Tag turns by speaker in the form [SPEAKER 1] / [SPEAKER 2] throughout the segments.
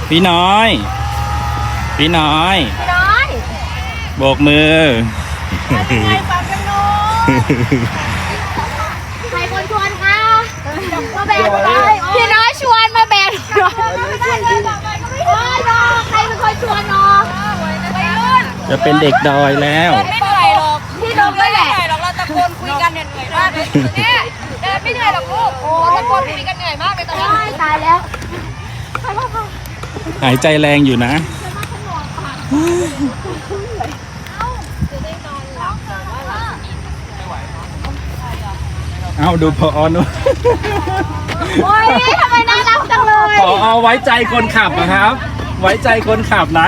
[SPEAKER 1] พี่น้อย พี่น้อย
[SPEAKER 2] พี่น้อย
[SPEAKER 1] โบกมือ
[SPEAKER 2] ใครฟังกันเนาะใครคนชวนคะมาแบกไปพี่น้อยชวนมาแบกโอ้ยน้องใครเป็นคนชวนน้องไปรุ่น
[SPEAKER 1] จะเป็นเด็กดอยแล้ว
[SPEAKER 2] ไม่เหนื่อยหรอกพี่น้องไม่เหนื่อยหรอกเราตะโกนคุยกันเหนื่อยมากเลยเนี่ยเดินไม่เหนื่อยหรอกลูกโอ้ตะโกนคุยกันเหนื่อยมากเลยตอนนี้ตายแล้ว
[SPEAKER 1] หายใจแรงอยู่นะ เอ้าดูพอนุ
[SPEAKER 2] โอ้ยทำไมน่ารักจังเลย
[SPEAKER 1] พอไว้ใจคนขับนะครับ ไว้ใจคนขับนะ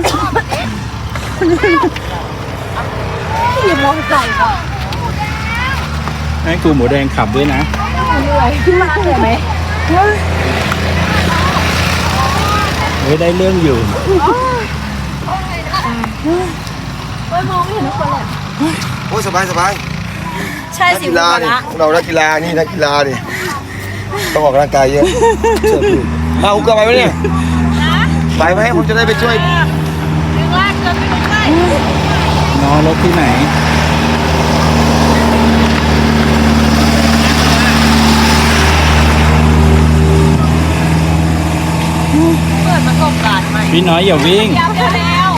[SPEAKER 2] อย่ามองใส่ก่อน
[SPEAKER 1] ให้ครูหมูแดงขับด้วยนะ
[SPEAKER 2] เหนื่อยขึ้นมาเหนื่อยไหม
[SPEAKER 1] เฮ้ยได้เรื่องอยู่
[SPEAKER 2] โอ้ยมองไม่เห็นทุกคนเลย
[SPEAKER 3] โอ้ยสบายสบาย
[SPEAKER 2] ใช่
[SPEAKER 3] นัก
[SPEAKER 2] สิ
[SPEAKER 3] กีฬาดิเรานักกีฬานี่นักกีฬาดิต้องออกกำลังกายเยอะเชื่อพี่เอาอุกกาไปไหมเนี่ยไปไหมผมจะได้ไปช่วย
[SPEAKER 2] ดึงลากเกินไปดึงได้
[SPEAKER 1] นอนรถที่ไหน
[SPEAKER 2] เปิดประสบการณ์ใหม่
[SPEAKER 1] พี่น้อยอย่าวิ่ง
[SPEAKER 2] อยากแล้ว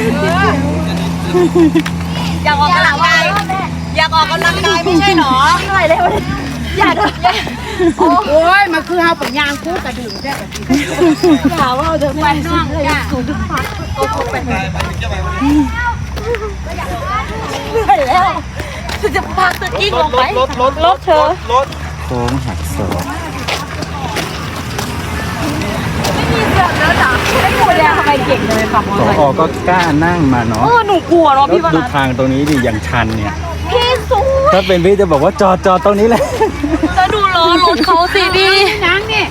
[SPEAKER 2] อยากออกกำลังกายอยากออกกำลังกายไม่ใช่หรอเหนื่อยเลยอยากโอ้ยมันคือเอาปัญญาคู่กระดิ่งได้กระดิ่งอย่าว่าเดินไปน้องอย่าสูงทุกพักโอ้โหเป็นเหนื่อยแล้วจะพักจะกิ้งลงไปรถเธอ
[SPEAKER 1] โค้งหักศอก
[SPEAKER 2] ไม่มีเสือกแล้วจ้ะไม่หมูแดงทำไมเก่งเลยขับมอเตอร์ไซ
[SPEAKER 1] พอ
[SPEAKER 2] ค์
[SPEAKER 1] ก็กล้านั่งมาเนาะ
[SPEAKER 2] หนูกลัวเนาะ
[SPEAKER 1] แล้ว
[SPEAKER 2] พี่ว
[SPEAKER 1] ดู
[SPEAKER 2] นัท
[SPEAKER 1] ทางตรงนี้ดิอย่างชันเนี่ย
[SPEAKER 2] พี่สูง
[SPEAKER 1] ถ้าเป็นพี่จะบอกว่าจอดตรงนี้แหละ
[SPEAKER 2] แล้วดูล้อรถเขาสิพี่นังนี่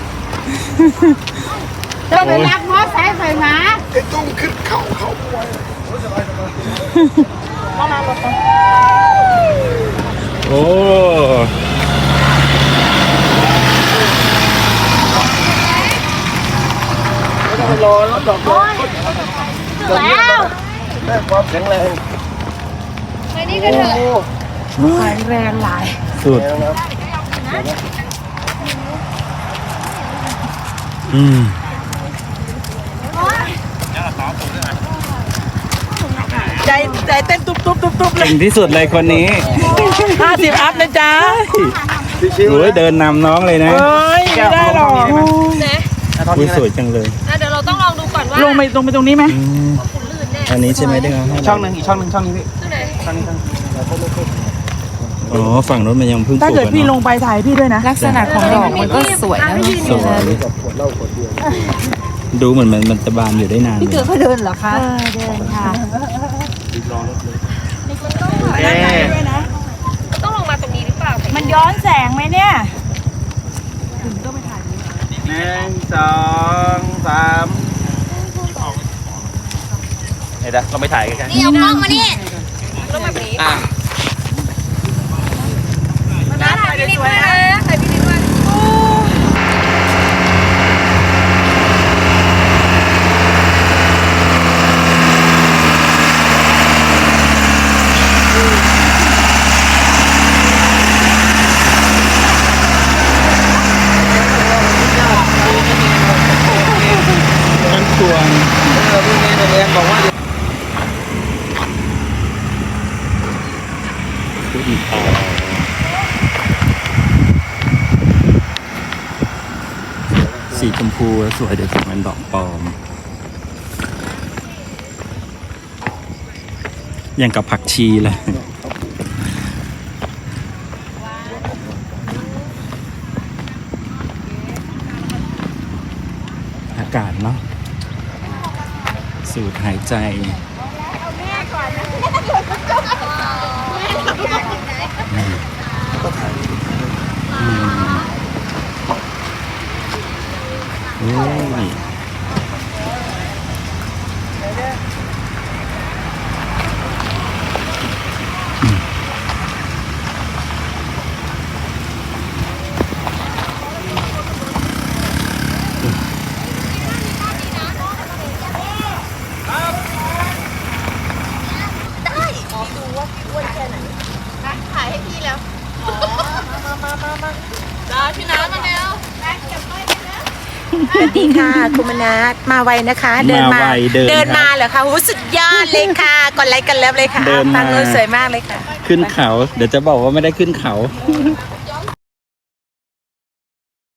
[SPEAKER 2] จะไปรักมอสไซค์ใส่หมา
[SPEAKER 3] ไอ้ตุ้มขึ้นเขา
[SPEAKER 1] โอ้
[SPEAKER 3] รอรถดอกรถ
[SPEAKER 2] แล้ว
[SPEAKER 3] ได้ความแข็งแรง
[SPEAKER 2] ไปนี่กันเถอะ
[SPEAKER 1] สุดอืม
[SPEAKER 4] ใจเต้นตุ๊บตุ๊บตุ๊บตุ๊บเลย
[SPEAKER 1] เก่งที่สุดเลยคนนี้
[SPEAKER 4] 50 อัพนะจ๊ะ
[SPEAKER 3] ชิว
[SPEAKER 1] โอ้ยเดินนำน้องเลยนะ
[SPEAKER 4] เฮ้ยไม่ได้หรอก
[SPEAKER 1] อุ้ยสวยจังเลย
[SPEAKER 2] เดี๋ยวเราต้องลองดูก่อนว่า
[SPEAKER 4] ลงไปตรงนี้ไหม
[SPEAKER 1] อืมอันนี้ใช่ไหมที่เขาให้
[SPEAKER 4] ช่องหนึ่งอีกช่องนี้พี่
[SPEAKER 1] อ๋อฝั่งนู้นมันยังเพิ่งป
[SPEAKER 4] ถ้า
[SPEAKER 1] ลูก
[SPEAKER 4] เกิด
[SPEAKER 1] กัน
[SPEAKER 4] พี่ล
[SPEAKER 1] เนาะ
[SPEAKER 4] งไปถ่ายพี่ด้วยนะ
[SPEAKER 5] ลักษณะของดอกมันก็สวยนะ
[SPEAKER 1] สวย
[SPEAKER 3] กับขวดเหล้าขวดเดียว
[SPEAKER 1] ดูเหมือนมันจะบานอยู่ได้นานเลย
[SPEAKER 5] เขาเดินเหรอคะ
[SPEAKER 2] เดินค่ะ ต้องลงมาตรงนี้หรือเปล่า
[SPEAKER 4] มันย้อนแสงไหมเนี่ย
[SPEAKER 1] 1 2 3เดี๋ยวเราไปถ่ายกัน
[SPEAKER 2] นี่เอากล้องมานี่ลงมาแบบนี้มาถ่ายพี่นิดมาถ่ายพี่นิดมา
[SPEAKER 1] มันชวน
[SPEAKER 3] พี่เมย์เรียนบอกว่า
[SPEAKER 1] สีชมพูสวยเดี๋ยวมันดอกปลอม อย่างกับผักชีเลย อากาศเนาะสูดหายใจโอ้ย
[SPEAKER 6] สวัสดีค่ะคุณมนัสมาไวนะคะ เดินมา
[SPEAKER 1] มาไวเดินครับ
[SPEAKER 6] มาเหรอคะโหสุดยอดเลยค่ะกดไลค์กันเลิฟเลยค่ะ
[SPEAKER 1] เดินมา
[SPEAKER 6] ฟังเลยสวยมากเลยค่ะ
[SPEAKER 1] ขึ้นเขา เดี๋ยวจะบอกว่าไม่ได้ขึ้นเขา